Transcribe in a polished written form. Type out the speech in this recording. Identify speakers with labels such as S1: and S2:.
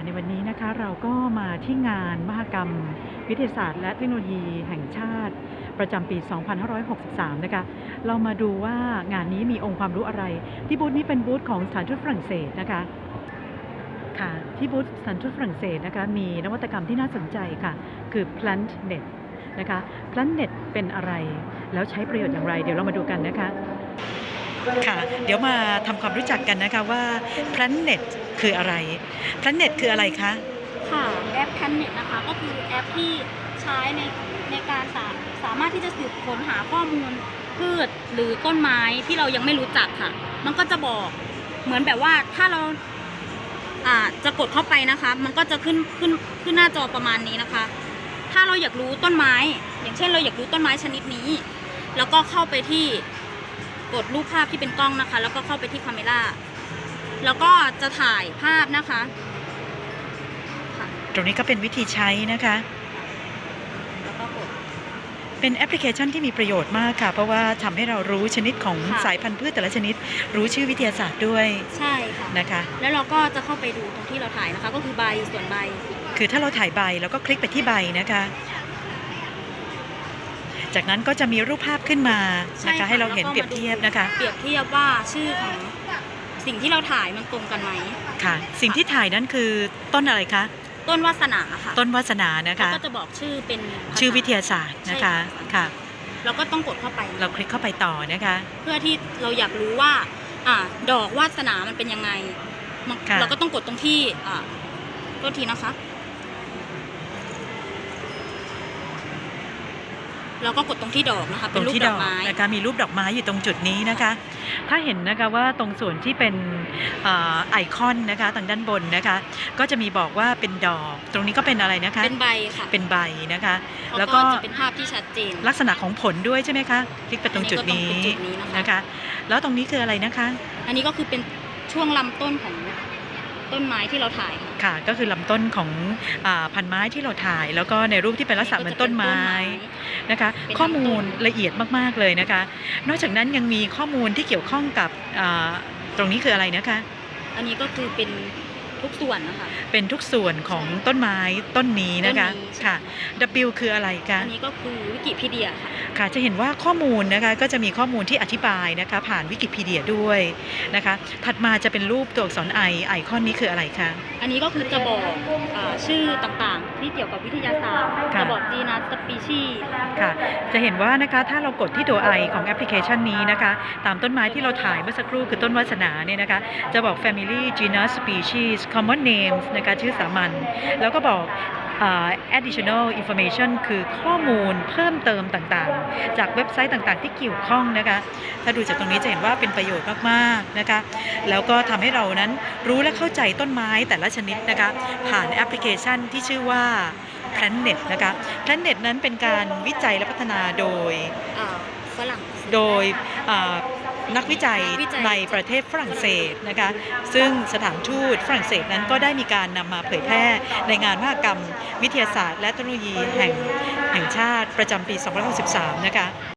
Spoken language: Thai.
S1: ในวันนี้นะคะเราก็มาที่งานมหกรรมวิทยาศาสตร์และเทคโนโลยีแห่งชาติประจำปี 2563 นะคะเรามาดูว่างานนี้มีองค์ความรู้อะไรที่บูธนี้เป็นบูธของสถานทูตฝรั่งเศสนะคะค่ะที่บูธสถานทูตฝรั่งเศสนะคะมีนวัตกรรมที่น่าสนใจค่ะคือ PlantNet นะคะ PlantNet เป็นอะไรแล้วใช้ประโยชน์อย่างไรเดี๋ยวเรามาดูกันนะคะค่ะเดี๋ยวมาทำความรู้จักกันนะคะว่า PlantNet คืออะไร PlantNet คืออะไรคะ
S2: ค่ะแอป Planet นะคะก็คือแอปที่ใช้ในการสามารถที่จะสืบค้นหาข้อมูลพืชหรือต้นไม้ที่เรายังไม่รู้จักค่ะมันก็จะบอกเหมือนแบบว่าถ้าเราจะกดเข้าไปนะคะมันก็จะขึ้นหน้าจอประมาณนี้นะคะถ้าเราอยากรู้ต้นไม้อย่างเช่นเราอยากรู้ต้นไม้ชนิดนี้แล้วก็เข้าไปที่กดรูปภาพที่เป็นกล้องนะคะแล้วก็เข้าไปที่คาเมราแล้วก็จะถ่ายภาพนะคะ
S1: ตรงนี้ก็เป็นวิธีใช้นะคะ
S2: แล้วก็กด
S1: เป็นแอปพลิเคชันที่มีประโยชน์มากค่ะเพราะว่าทำให้เรารู้ชนิดของสายพันธุ์พืชแต่ละชนิดรู้ชื่อวิทยาศาสตร์ด้วย
S2: ใช่ค่ะ
S1: นะคะ
S2: แล้วเราก็จะเข้าไปดูตรงที่เราถ่ายนะคะก็คือใบส่วนใบ
S1: คือถ้าเราถ่ายใบเราก็คลิกไปที่ใบนะคะจากนั้นก็จะมีรูปภาพขึ้นมานะคะให้เราเห็นเปรียบเทียบนะคะ
S2: เปรียบเทียบว่าชื่อของสิ่งที่เราถ่ายมันตรงกันไหม
S1: ค่ะสิ่งที่ถ่ายนั้นคือต้นอะไรคะ
S2: ต้นวาสนาค่ะ
S1: ต้นวาสนานะคะ
S2: ก็จะบอกชื่อเป็น
S1: ชื่อวิทยาศาสตร์นะคะค่ะ
S2: เราก็ต้องกดเข้าไป
S1: เราคลิกเข้าไปต่อนะคะ
S2: เพื่อที่เราอยากรู้ว่าดอกวาสนามันเป็นยังไงเราก็ต้องกดตรงที่ต้นทีนะคะเราก็กดตรงที่ดอกนะคะเป็นรูปดอกไม้
S1: นะคะมีรูปดอกไม้อยู่ตรงจุดนี้นะคะถ้าเห็นนะคะว่าตรงส่วนที่เป็นไอคอนนะคะทางด้านบนนะคะก็จะมีบอกว่าเป็นดอกตรงนี้ก็เป็นอะไรนะคะ
S2: เป็นใบค่ะ
S1: เป็นใบนะคะ
S2: แล้วก็จะเป็นภาพที่ชัดเจน
S1: ลักษณะของผลด้วยใช่ไหมคะคลิกไปตรงจุดนี้นะคะแล้วตรงนี้คืออะไรนะคะ
S2: อันนี้ก็คือเป็นช่วงลำต้นของต้นไม้ที่เราถ่าย
S1: ค่ะก็คือลำต้นของพันไม้ที่เราถ่ายแล้วก็ในรูปที่เป็นลักษณะเหมือนต้นไม้นะคะข้อมูลละเอียดมากๆเลยนะคะนอกจากนั้นยังมีข้อมูลที่เกี่ยวข้องกับตรงนี้คืออะไรนะคะ
S2: อันนี้ก็คือเป็นทุกส่วนนะคะ
S1: เป็นทุกส่วนของต้นไม้ต้นนี้นะคะค่ะ W คืออะไรคะ
S2: อันนี้ก็คือวิกิพีเดียค่ะ
S1: ค่ะจะเห็นว่าข้อมูลนะคะก็จะมีข้อมูลที่อธิบายนะคะผ่านวิกิพีเดียด้วยนะคะถัดมาจะเป็นรูปตัวอักษรไอคอนนี้คืออะไรคะ
S2: อันนี้ก็คือจะบอกชื่อต่างๆที่เกี่ยวกับวิทยาศาสตร์จะบอกจีนัสสปีชีส์
S1: ค่ะจะเห็นว่านะคะถ้าเรากดที่ตัว I ของแอปพลิเคชันนี้นะคะตามต้นไม้ที่เราถ่ายเมื่อสักครู่คือต้นวาสนาเนี่ยนะคะจะบอก Family Genus Species Common Names นะคะชื่อสามัญแล้วก็บอกadditional information คือข้อมูลเพิ่มเติมต่างๆจากเว็บไซต์ต่างๆที่เกี่ยวข้องนะคะถ้าดูจากตรงนี้จะเห็นว่าเป็นประโยชน์มากๆนะคะแล้วก็ทำให้เรานั้นรู้และเข้าใจต้นไม้แต่ละชนิดนะคะผ่านแอปพลิเคชันที่ชื่อว่า PlantNet นะคะ PlantNet นั้นเป็นการวิจัยและพัฒนาโดย
S2: ฝรั่ง
S1: นักวิจัยในประเทศฝรั่งเศสนะคะซึ่งสถานทูตฝรั่งเศสนั้นก็ได้มีการนำมาเผยแพร่ในงานมหกรรมวิทยาศาสตร์และเทคโนโลยีแห่งชาติประจำปี 2563 นะคะ